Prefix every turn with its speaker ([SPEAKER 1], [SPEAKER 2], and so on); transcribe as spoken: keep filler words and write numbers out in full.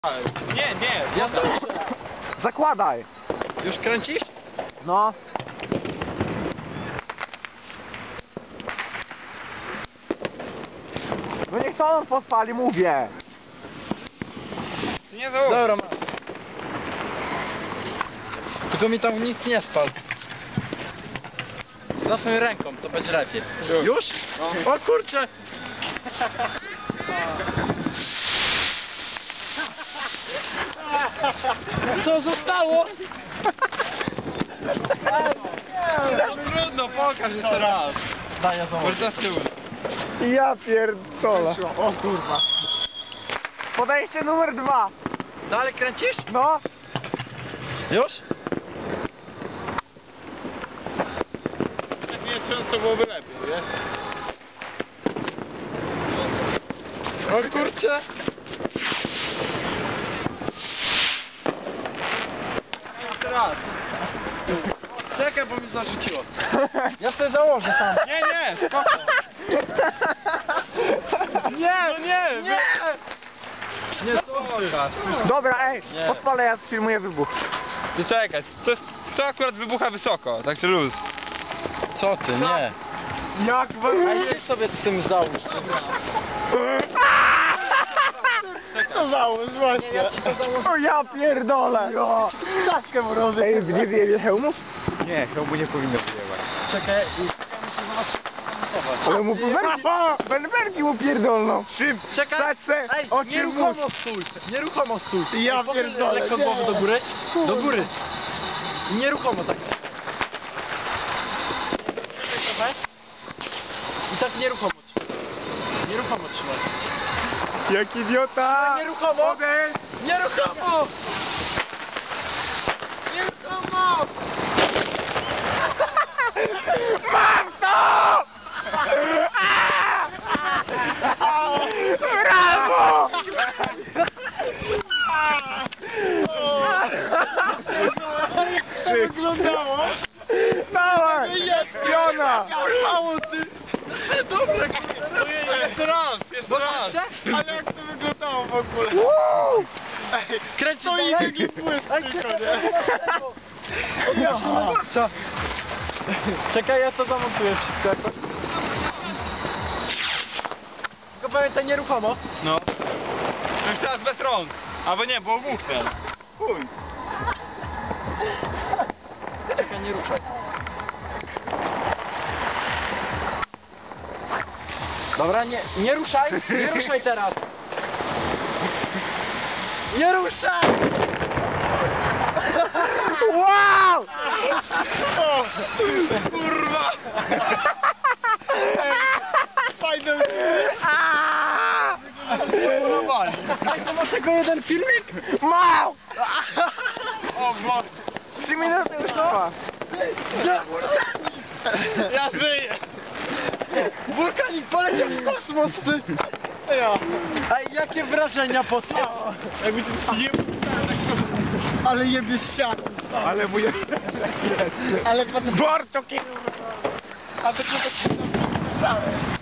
[SPEAKER 1] Nie, nie,
[SPEAKER 2] Ja to...
[SPEAKER 3] Zakładaj.
[SPEAKER 2] Już kręcisz?
[SPEAKER 3] No. No niech to on podpali, mówię.
[SPEAKER 1] to nie załóż.
[SPEAKER 2] Dobra, masz. Tylko mi tam nic nie spal. Zacznę ręką, to będzie lepiej.
[SPEAKER 1] Już?
[SPEAKER 2] Już?
[SPEAKER 1] No.
[SPEAKER 2] O kurczę! Co zostało?
[SPEAKER 1] No trudno, pokaż jeszcze raz.
[SPEAKER 2] Daj, ja znowu.
[SPEAKER 1] Może z tyłu.
[SPEAKER 3] Ja pierdolę. O kurwa. Podejście numer dwa.
[SPEAKER 2] Dalej kręcisz?
[SPEAKER 3] No.
[SPEAKER 2] Już?
[SPEAKER 1] Jak nie trząc, to byłoby lepiej, wiesz?
[SPEAKER 2] O kurczę!
[SPEAKER 1] Jeszcze raz.
[SPEAKER 2] Czekaj, bo mi zarzuciło. Ja sobie założę tam.
[SPEAKER 1] Nie, nie, spoko.
[SPEAKER 3] Nie,
[SPEAKER 1] No nie,
[SPEAKER 2] Nie! Nie, to
[SPEAKER 3] Dobra, ej,
[SPEAKER 2] Nie.
[SPEAKER 3] podpalę, ja filmuję wybuch.
[SPEAKER 1] Ty czekaj, to, jest, to akurat wybucha wysoko, także luz.
[SPEAKER 2] Co ty, nie.
[SPEAKER 3] Jak
[SPEAKER 2] A idź sobie z tym załóż.
[SPEAKER 3] To załóż właśnie.
[SPEAKER 2] Ja ci to założę.
[SPEAKER 3] O ja pierdolę. Jo. Czaszkę mrozy. Ej, nie wyjebie hełmów? Nie, hełmu nie powinno wyjebać.
[SPEAKER 2] Czekaj, i muszę zobaczyć.
[SPEAKER 3] Ale mu berki, berberki mu pierdolną. Szym,
[SPEAKER 2] Czekaj.
[SPEAKER 3] Saćce,
[SPEAKER 2] Ej,
[SPEAKER 3] oczy
[SPEAKER 2] nieruchomo stój. Nieruchomo stój.
[SPEAKER 3] Ja
[SPEAKER 2] Ej, pochyl
[SPEAKER 3] pierdolę,
[SPEAKER 2] lekko
[SPEAKER 3] nie.
[SPEAKER 2] głowę do góry. Do góry. I nieruchomo tak. Czekaj trochę. I tak nieruchomo trzymaj. Nieruchomo trzymaj.
[SPEAKER 3] Jak idiota.
[SPEAKER 2] Nieruchomo.
[SPEAKER 3] Odejdź.
[SPEAKER 2] Nieruchomo! Nieruchomo!
[SPEAKER 3] Mam to! Brawo!
[SPEAKER 2] Jak to wyglądało?
[SPEAKER 3] Dawaj! Piona!
[SPEAKER 2] Mało ty! Dobra, kurde.
[SPEAKER 1] Jeszcze raz, jeszcze raz.
[SPEAKER 2] Ale jak to wyglądało w ogóle?
[SPEAKER 3] Woo!
[SPEAKER 2] Kręcisz
[SPEAKER 3] To i
[SPEAKER 2] dalej?
[SPEAKER 3] taki błysk tylko,
[SPEAKER 2] nie? Co? Czekaj, ja to zamontuję wszystko jakoś. Tylko pamiętaj nieruchomo.
[SPEAKER 1] No. To już teraz bez rąk. Albo nie, bo obuchnę. Chuj.
[SPEAKER 2] Czekaj, nie ruszaj. Dobra, nie, nie ruszaj, nie ruszaj teraz. Nie ruszaj!
[SPEAKER 3] Wow!
[SPEAKER 1] O, kurwa!
[SPEAKER 3] Fajne.
[SPEAKER 1] Normalnie.
[SPEAKER 3] Ej, to masz tylko jeden filmik? Mał!
[SPEAKER 1] O, bo
[SPEAKER 3] Trzy minuty już trwa.
[SPEAKER 1] ja żyję.
[SPEAKER 2] Wulkanik poleciał w kosmos, ty! Ja. Ej, jakie wrażenia po tym?
[SPEAKER 1] Jakby to ci nie...
[SPEAKER 2] Ale jebie ścianę.
[SPEAKER 3] Ale mój...
[SPEAKER 2] Ale patrz,
[SPEAKER 3] Borto kierunek.
[SPEAKER 2] a to nie tak się